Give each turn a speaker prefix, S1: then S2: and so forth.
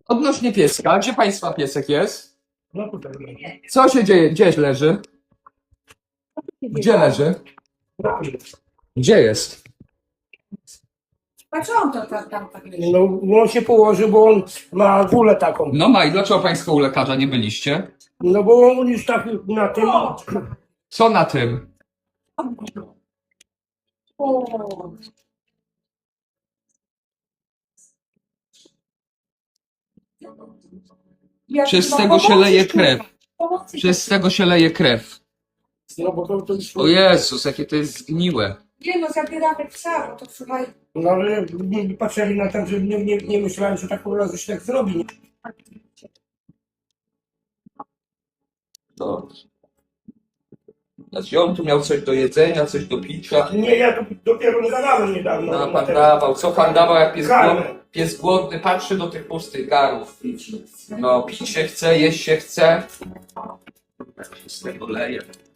S1: Odnośnie pieska, gdzie państwa piesek jest?
S2: No tutaj.
S1: Co się dzieje? Gdzie leży? Gdzie leży? Gdzie jest?
S3: A co on to tam tak leży?
S2: No on się położył, bo on ma gulę taką.
S1: No ma i dlaczego państwo u lekarza nie byliście?
S2: No bo on już tak na tym...
S1: Co na tym?
S3: O, jak
S1: Przez
S3: ma
S1: tego się
S3: pomocy,
S1: leje
S3: kurwa.
S1: krew.
S3: Pomocy.
S1: Przez tego się leje krew.
S2: No bo to już...
S1: O Jezus, jakie to jest zgniłe.
S3: Nie no, zabieramy psa, bo to słuchaj.
S2: No ale nie patrzyli na to, że nie myślałem, że tak po prostu się tak zrobi.
S1: Dobrze. Znaczy on tu miał coś do jedzenia, coś do picia.
S2: Nie, ja tu dopiero nie dawałem niedawno.
S1: No
S2: na
S1: pan
S2: ten-
S1: dawał. Co pan dawał, jak pies
S2: Karmę.
S1: głodny? Pies głodny patrzy do tych pustych garów. No pić się chce, jeść się chce. Z tego leje.